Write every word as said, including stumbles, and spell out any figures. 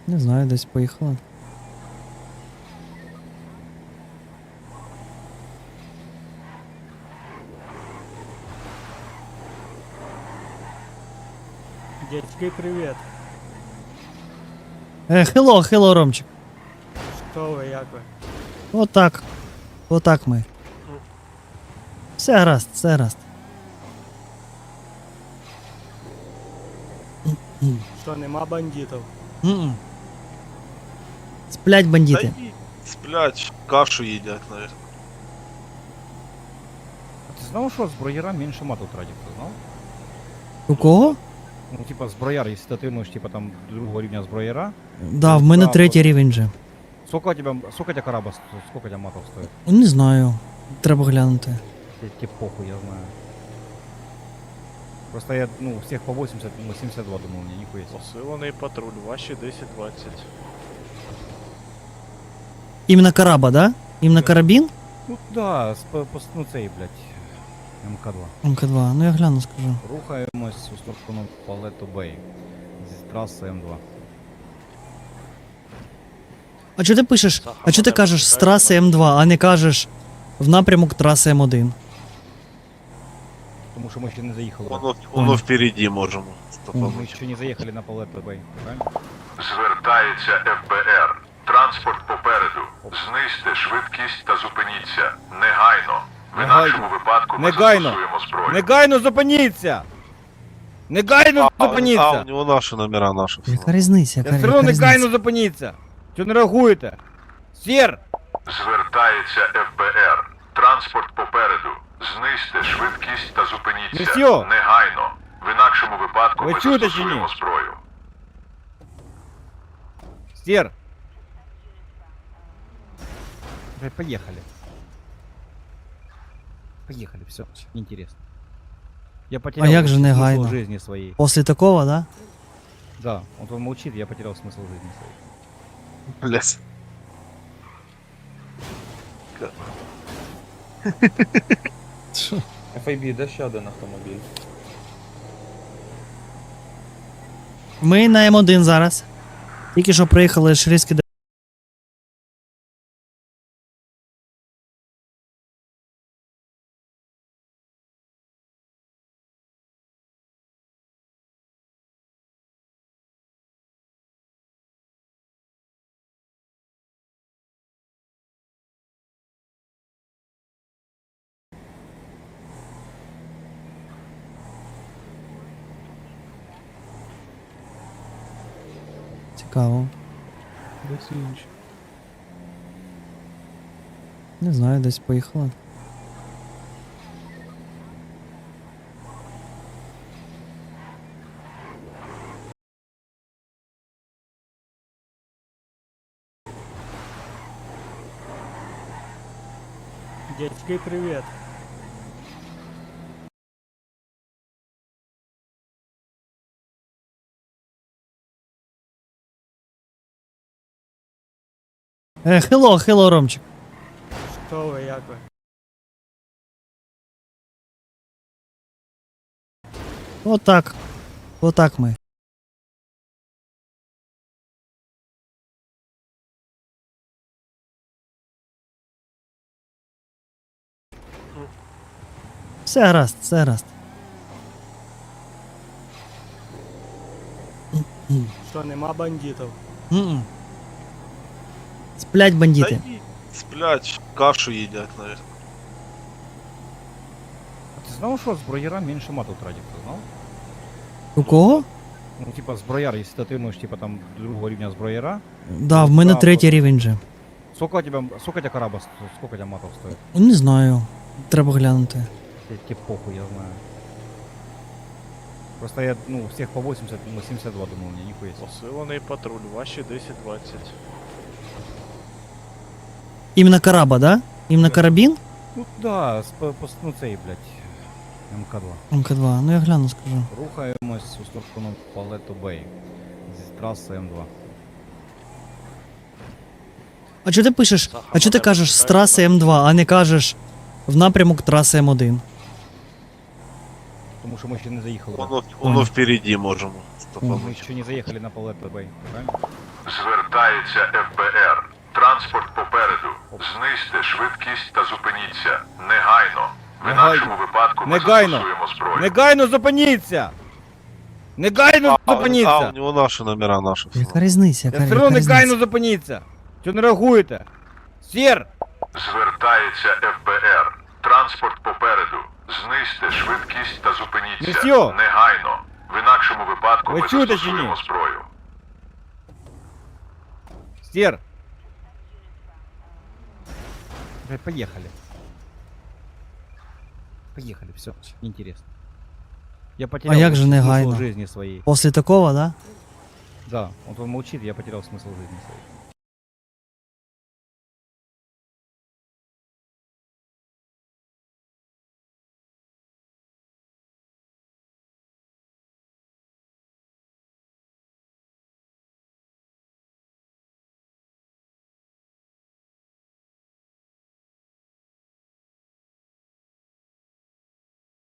Не знаю, десь поїхала. Дядьки, привет. Е, хело, хело, Ромчик. Що ви, як ви? Отак. Отак ми. Все гаразд, все гаразд. Що, нема бандитів? М-м. Сплять бандити. Да и сплять, кашу едят, наверное. А ти знав, що зброєра менше мату тратить, ти знав? У кого? Ну, типа, зброяр, якщо ти отримуєш, типа, там, другого рівня зброєра, Да, в мене третій рівень же. сколько у тебя, сколько у тебя кораба, сто- сколько у тебя матов стоит? Не знаю. Треба глянути. Тебе похуй, я знаю. Просто я, ну, всех по восемьдесят, ну, семьдесят два думал, мне нихуя себе. Посилений патруль, ваші десять двадцять. Іменно караба, да? Іменно Да. карабін? Ну, да, с, по, по, ну, цей, блядь, эм ка два. ем ка два, ну я гляну, скажу. Рухаємось у сторону Палетто Бей. Зі траси ем два. А чого ти пишеш? А чого ти кажеш з траси ем два, а не кажеш в напрямок траси ем один? Тому що ми ще не заїхали. Воно, воно впереді можемо. Ми ще не заїхали на Палетто Бей, правильно? Звертається еф бе ер. Транспорт попереду. Знизьте швидкість та зупиніться. Негайно. В Негайно. інакшому випадку ми Негайно. застосуємо зброю. Негайно зупиніться! Негайно А, а зупиніться! у нього наші номера, наші. Яка різниця? Я Яка, все одно яка негайно різниця? зупиніться! Чого не реагуєте? Сір! Звертається еф бе ер. Транспорт попереду. Знизьте швидкість та зупиніться. Месье! Негайно. В інакшому випадку Ви ми чуєте чи застосуємо ні? зброю. Сір! Уже поехали. Поехали, все, неинтересно. Я потерял А як же смысл негайно? жизни своей. Після такого, да? Да, вот он молчит, я потерял смысл жизни своей. Блять. еф ей бі, де ще один автомобіль? Ми на ем один зараз. Тільки що приїхали з Шрійської. Цікаво. Не знаю, десь поїхала. Дядьки, привет. Е, хело, хело, Ромчик. Що ви, як ви? Отак. Отак ми. Все гаразд, все гаразд. Що, нема бандитів? М-м. Сплять Да бандити. и сплять, кашу едят, наверное. А ти знав, що зброєра менше мату тратить, ти знав? У кого? Ну, типа, зброяр, якщо ти отримуєш, типа, там, другого рівня зброєра, Да, в мене Да, третій от. рівень же. сколько у тебя, сколько у тебя кораба, сто- сколько у тебя матов стоит? Не знаю. Треба глянути. Тебе похуй, я знаю. Просто я, ну, всех по восемьдесят, ну, семьдесят два думал, мне нихуя себе. Посилений патруль, ваші десять двадцять. Іменно караба, да? Іменно Да. карабін? Ну, да, с, по, по, ну, цей, блядь, ем ка два. ем ка два, ну я гляну, скажу. Рухаємось у сторону Палетто Бей. Зі траси ем два. А чого ти пишеш? А чого ти кажеш з траси ем два, а не кажеш в напрямок траси ем один? Тому що ми ще не заїхали. Воно, воно впереді можемо. Ми ще не заїхали на Палетто Бей, правильно? Звертається еф бе ер. Транспорт попереду. Знизьте швидкість та зупиніться. Негайно. В Негайно. інакшому випадку ми Негайно. застосуємо зброю. Негайно зупиніться! Негайно А, зупиніться! а, у него наши номера, наши. Яка різниця? Яка, Я все одно яка негайно різниця? зупиніться! Чого не реагуєте? Сір! Звертається еф бе ер. Транспорт попереду. Знизьте швидкість та зупиніться. Месье! Негайно. В інакшому випадку Ви ми чуєте чи застосуємо ні? зброю. Сір! Э, Поехали. Поехали, все, неинтересно. Я потерял як же смысл негайно? жизни своей. Після такого, да? Да, вот он молчит, я потерял смысл жизни своей.